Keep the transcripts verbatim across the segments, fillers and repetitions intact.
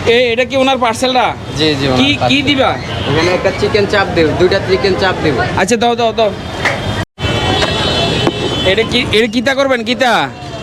এই এটা কি ওনার পার্সেলটা? জি জি। কি কি দিবা? এখানে একটা চিকেন চাপ দেব, দুইটা চিকেন চাপ দেব। আচ্ছা দাও দাও দাও। এটা কি এটা কিতা করবেন কিতা?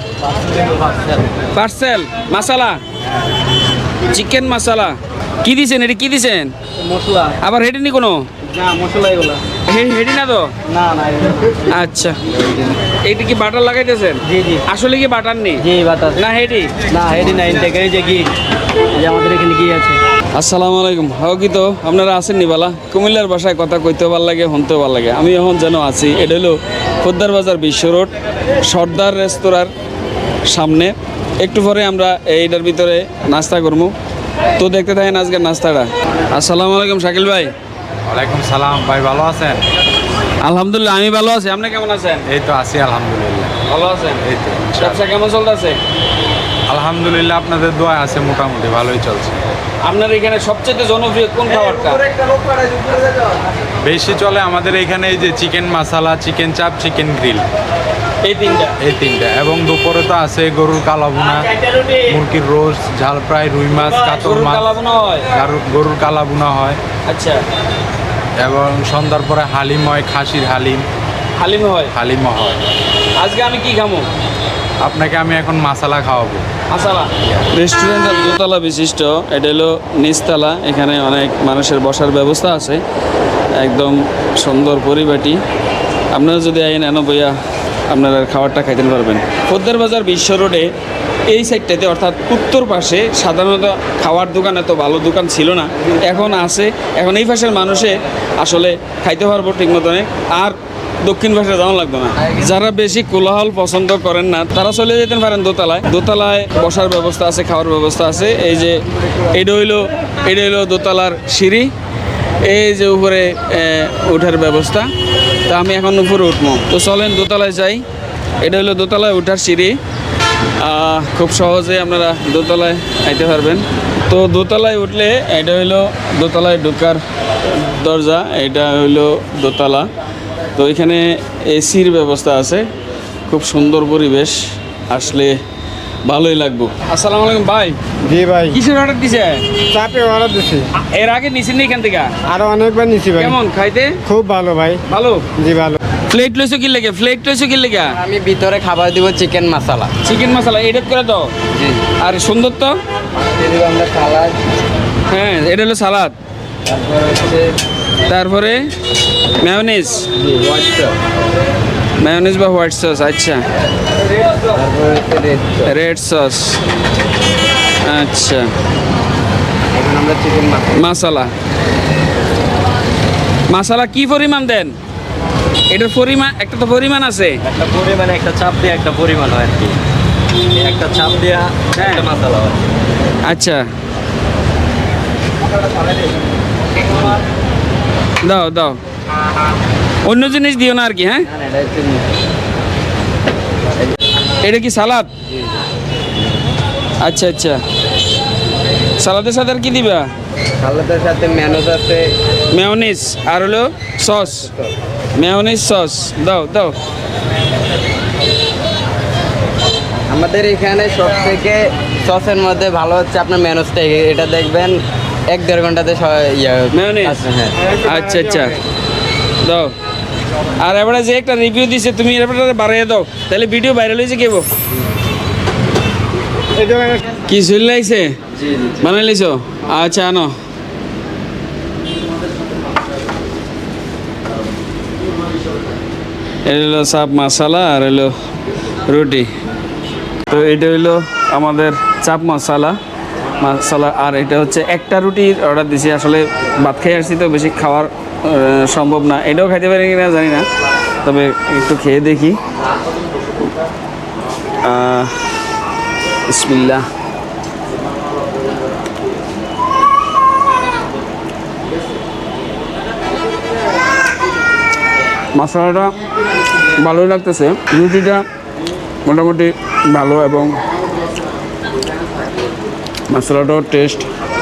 পার্সেল মাসালা, চিকেন মাসালা। কি দিছেন এটা? কি দিছেন? মশলা। আবার হেডি নি কোনো? না মশলা এগুলো। হেডি না তো? না না। আচ্ছা, এইটা কি বাটার লাগাইতেছেন? জি জি। আসলে কি বাটার নেই? জি বাটার। না হেডি? না হেডি না, ইনটেক। এই যে ঘি, এই যে আমাদের এখানে ঘি আছে। আসসালামু আলাইকুম। হাও কি তো আপনারা আছেন নিবালা? কুমিল্লার ভাষায় কথা কইতেও ভালো লাগে, শুনতেও ভালো লাগে। আমি এখন যেন আছি, এটা হলো খোদ্দার বাজার বিশ্ব রোড, সর্দার রেস্তোরাঁর সামনে। একটু পরে আমরা এইটার ভিতরে নাস্তা করবো, তো দেখতে থাকেন আজকের নাস্তাটা। আসসালামু আলাইকুম শাকিল ভাই। ওয়ালাইকুম সালাম ভাই, ভালো আছেন? আলহামদুলিল্লাহ আমি ভালো আছি, আপনি কেমন আছেন? এই তো আছি আলহামদুলিল্লাহ। ভালো আছেন? এই তো ব্যবসা কেমন চলতেছে? আলহামদুলিল্লাহ, আপনাদের দোয়া আছে, মোটামুটি ভালোই চলছে। আপনার এখানে সবচেয়ে জনপ্রিয় কোন খাবারটা? বেশি চলে আমাদের এখানে এই যে chicken masala, chicken chaap, chicken grill, এই তিনটা। এই তিনটা। এবং দুপুরে তো আছে গরুর কালাভুনা, মুরগির রোস্ট, ঝাল ফ্রাই, রুই মাছ, কাতল গরুর মাছ, কালাভুনা হয়? গরুর- গরুর কালাভুনা হয়। আচ্ছা, এবং সন্ধ্যার পরে হালিম হয়, খাসির হালিম, হালিম হয়? হালিমও হয়। আজকে আমি কি খাবো? আপনাকে আমি এখন মশলা খাওয়াবো। মাসালা রেস্টুরেন্টের দোতলা বিশিষ্ট, এটা হলো নিচতলা। এখানে অনেক মানুষের বসার ব্যবস্থা আছে, একদম সুন্দর পরিপাটি। আপনারা যদি আইন এনো বইয়া আপনারা খাবারটা খাইতে পারবেন। খোদ্দার বাজার বিশ্ব রোডে এই সাইডটাতে, অর্থাৎ উত্তর পাশে সাধারণত খাওয়ার দোকান এত ভালো দোকান ছিল না, এখন আছে। এখন এই পাশের মানুষে আসলে খাইতে পারবো ঠিক মতনে, আর দক্ষিণ পাশে যাওয়া লাগবে না। যারা বেশি কোলাহল পছন্দ করেন না, তারা চলে যেতে পারেন দোতলায়। দোতলায় বসার ব্যবস্থা আছে, খাওয়ার ব্যবস্থা আছে। এই যে এটা হইলো এটা হইলো দোতলার সিঁড়ি, এই যে উপরে ওঠার ব্যবস্থা। তা আমি এখন উপরে উঠবো, তো চলেন দোতলায় যাই। এটা হলো দোতলায় ওঠার সিঁড়ি, আহ, খুব সহজে আপনারা দোতলায় আইতে পারবেন। তো দোতলায় উঠলে এটা হইলো দোতলায় ঢোকার দরজা, এটা হইলো দোতলা। তো এখানে এসির ব্যবস্থা আছে, খুব সুন্দর পরিবেশ, আসলে ভালোই লাগবে। আসসালামু আলাইকুম ভাই। জি ভাই, কিসের অর্ডার দিছে? চাপে অর্ডার দিছি। এর আগে নিছেন নি এখান থেকে? আরো অনেকবার নিছি ভাই। কেমন খাইতে? খুব ভালো ভাই। ভালো। জি ভালো। প্লেট লইছো কি লেগে? প্লেট লইছো কি লেগে? আমি ভিতরে খাবার দিব chicken masala. Chicken masala edit করে দাও। জি। আর সুন্দর তো। দিয়ে দিব আমরা সালাদ, হ্যাঁ, এটা হলো সালাদ, তারপর হচ্ছে তারপরে মেয়োনিজ, জি হোয়াইট সস, মেয়োনিজ বা হোয়াইট সস। আচ্ছা, তারপর হচ্ছে রেড সস। Red sauce. আচ্ছা, এখন আমরা চিকেন মশলা। মশলা মশলা কি পরিমাণ দেন? এটার পরিমাণ একটা তো পরিমাণ আছে। একটা পরিমাণে একটা চাপ দিয়ে একটা পরিমাণ হয় আর কি। এই একটা চাপ দেওয়া একটা মশলা হয়। আচ্ছা, দাও দাও, অন্য জিনিস দিও না আর কি। হ্যাঁ, না না, এটা হচ্ছে এটা কি সালাদ? আচ্ছা আচ্ছা, সালাদের সাথে আর কি দিবা? সালাদের সাথে ম্যানোজ আছে, মেয়োনিজ আর হলো সস, মেয়োনিজ সস দাও দাও। আমাদের এখানে সব থেকে সসের মধ্যে ভালো হচ্ছে আপনার ম্যানোজটা। এটা দেখবেন এক দেড় ঘন্টাতে স- ইয়ে মেয়োনিজ। আছে, হ্যাঁ। আচ্ছা আচ্ছা, দাও। আর এবারে যে একটা রিভিউ দিছে, তুমি এবারে বাড়াইয়ে দাও, তাহলে ভিডিও ভাইরাল হয়েছে কেবো। এই দোকানে কি চলে লাগছে? জি জি। বানাই লিছো? আচ্ছা, আনো। এটা হলো চাপ মশলা আর হলো রুটি। তো এটা হইলো আমাদের চাপ মশলা মশলা, আর এটা হচ্ছে একটা রুটির অর্ডার দিছি। আসলে ভাত খেয়ে আসছি তো বেশি খাওয়ার আহ, সম্ভব না। এটাও খাইতে পারি কিনা জানি না, তবে একটু খেয়ে দেখি। আহ, বিসমিল্লাহ। মশলাটা ভালোই লাগতেছে, রুটিটা মোটামুটি ভালো, এবং মশলাটাও টেস্ট।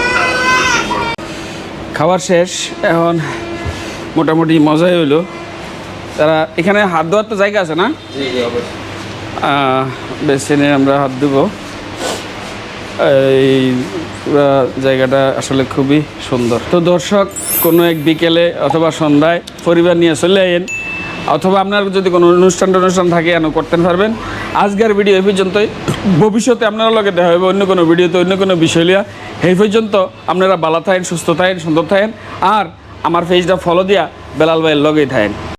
খাবার শেষ, এখন মোটামুটি মজাই হইলো। তারা এখানে হাত ধোয়ার তো জায়গা আছে না? জি জি অবশ্যই। বেসিনে আমরা হাত দেবো। এই পুরা জায়গাটা আসলে খুবই সুন্দর। তো দর্শক, কোনো এক বিকেলে অথবা সন্ধ্যায় পরিবার নিয়ে চলে আইন, অথবা আপনার যদি কোনো অনুষ্ঠান অনুষ্ঠান থাকে এন করতে পারবেন। আজকের ভিডিও এই পর্যন্তই। ভবিষ্যতে আপনারা লগে দেখা হবে অন্য কোনো ভিডিওতে অন্য কোনো বিষয় লিয়া। এই পর্যন্ত আপনারা ভালো থাকেন, সুস্থ থাকেন, সুন্দর থাকেন, আর আমার পেজটা ফলো দিয়া বেলাল ভাইয়ের লগেই থাকেন।